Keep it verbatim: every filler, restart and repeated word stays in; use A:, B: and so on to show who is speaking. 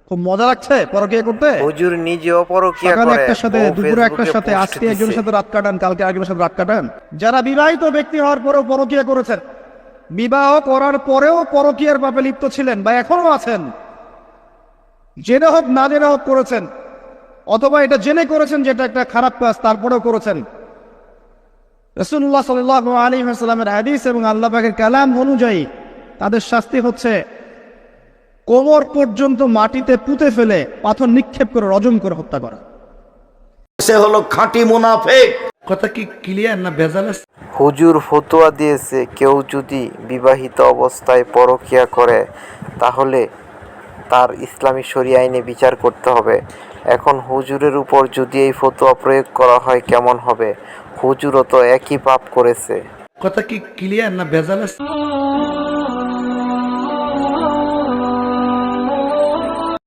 A: খুব মজা লাগছে পরকীয়া করতে।
B: হুজুর নিজেও পরকীয়া
A: সকালে
B: করে,
A: একটার সাথে,
B: ও
A: দুপুরে একটার
B: ফেসবুকে
A: সাথে,
B: পোস্ট
A: আজকে
B: দিছে।
A: একজনের সাথে রাত কাটান, কালকে আরেকজনের সাথে রাত কাটান। যারা বিবাহিত ব্যক্তি হওয়ার পরেও পরকীয়া করেছেন, বিবাহ করার পরেও পরকীয়ার পাপে লিপ্ত ছিলেন বা এখনো আছেন, জেনে হোক না জেনে হোক করেছেন, অথবা এটা জেনে করেছেন যেটা একটা খারাপ কাজ তারপরেও করেছেন, রাসূলুল্লাহ সাল্লাল্লাহু আলাইহি ওয়াসাল্লামের হাদিস এবং আল্লাহ পাকের কালাম অনুযায়ী তাদের শাস্তি হচ্ছে কোমর পর্যন্ত মাটিতে পুঁতে ফেলে পাথর নিক্ষেপ করে রজম করে হত্যা করা।
C: সে হলো খাঁটি মুনাফিক। কথা কি ক্লিয়ার না ভেজাল আছে?
B: হুজুর ফতোয়া দিয়েছে, কেউ যদি বিবাহিত অবস্থায় পরকীয়া করে তাহলে তার ইসলামী শরীয় আইনে বিচার করতে হবে। এখন হুজুরের উপর যদি এই ফতোয়া প্রয়োগ করা হয় কেমন হবে? হুজুরও তো একই পাপ করেছে।
C: কথা কি ক্লিয়ার না ভেজাল আছে?